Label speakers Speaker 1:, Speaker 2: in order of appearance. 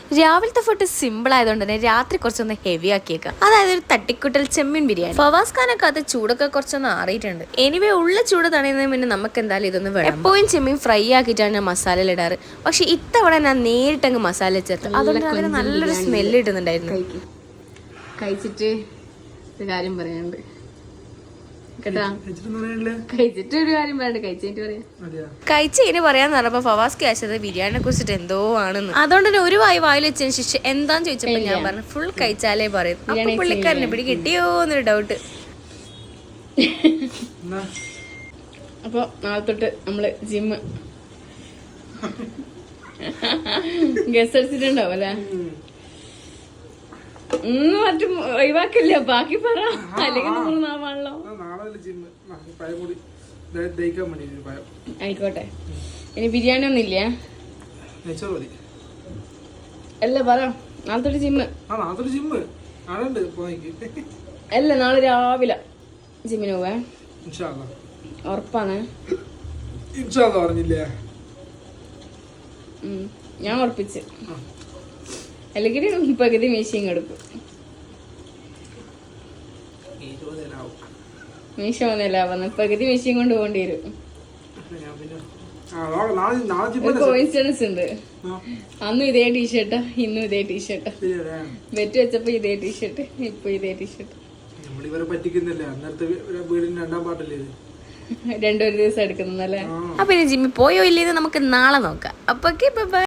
Speaker 1: രാവിലത്തെ food simple ആയതുകൊണ്ട് തന്നെ രാത്രി കുറച്ചൊന്ന് ഹെവി ആക്കിയേക്കാം. അതായത് ഒരു തട്ടിക്കുട്ടൽ ചെമ്മീൻ ബിരിയാണി. ഫവാസ് ഖാനൊക്കെ അത് ചൂടൊക്കെ കുറച്ചൊന്ന് ആറിയിട്ടുണ്ട്. എനിവേ ഉള്ള ചൂട് തടയുന്നതിന് മുന്നേ നമുക്ക് എന്തായാലും ഇതൊന്ന് വേണം. എപ്പോഴും ചെമ്മീൻ ഫ്രൈ ആക്കിയിട്ടാണ് ഞാൻ മസാല ഇടാറ്. പക്ഷെ ഇത്തവണ ഞാൻ നേരിട്ടങ്ങ് മസാല ചേർത്ത്, അതുകൊണ്ട് അതിന് നല്ലൊരു സ്മെല്ല് കിട്ടുന്നുണ്ടായിരുന്നു.
Speaker 2: കഴിച്ചിട്ട് ഒരു കാര്യം പറയാനുണ്ട് കേട്ടാ. കഴിച്ചിട്ട് ഒരു കാര്യം പറയണ്ട, കഴിച്ചിട്ട് പറയാം.
Speaker 1: കഴിച്ച് ഇനി പറയാന്ന് പറഞ്ഞപ്പോ ഫവാസ് കഴിച്ചത് ബിരിയാണിനെ കുറിച്ചിട്ട് എന്തോ ആണെന്ന്. അതുകൊണ്ട് തന്നെ ഒരു വായിൽ വെച്ചതിന് ശേഷം എന്താന്ന് ചോദിച്ചപ്പോ ഞാൻ പറഞ്ഞു ഫുൾ കഴിച്ചാലേ പറയും. അപ്പൊ പുള്ളിക്കാരനെ പിടി കിട്ടിയോ എന്നൊരു ഡൗട്ട്.
Speaker 2: അപ്പൊ നാളെ തൊട്ട് നമ്മള് ജിമ്മ് ഗസ് അടിച്ചിട്ടുണ്ടാവും അല്ലെ? മറ്റും ഒഴിവാക്കില്ല, ബാക്കി പറ, അല്ലെങ്കിൽ നാവാണല്ലോ. ആയിക്കോട്ടെ. ഇനി ബിരിയാണി ഒന്നുമില്ല അല്ല, പറ. നാളെ തൊട്ട് ജിമ്മ് അല്ല, നാളെ രാവിലെ ജിമ്മിന് പോവേ. ഉറപ്പാണ്? ഞാൻ ഉറപ്പിച്ച്. അല്ലെങ്കിൽ പകുതി മീശയും കൊടുക്കും. മീശ ഒന്നല്ല വന്ന് പകുതി മീശയും കൊണ്ട് പോകേണ്ടി വരും. കോയിൻസിഡൻസ് ഉണ്ട്. അന്നും ഇതേ ടീഷർട്ടാ, ഇന്നും ഇതേ ടീഷർട്ടാ. ബെറ്റ് വെച്ചപ്പോ ഇതേ ടീഷർട്ട്, ഇപ്പൊ ഇതേ ടീഷർട്ട്. രണ്ടൊരു ദിവസം എടുക്കുന്നല്ലേ.
Speaker 1: അപ്പൊ ഇനി ജിമ്മിൽ പോയോ ഇല്ലേന്ന് നമുക്ക് നാളെ നോക്കാം. അപ്പൊ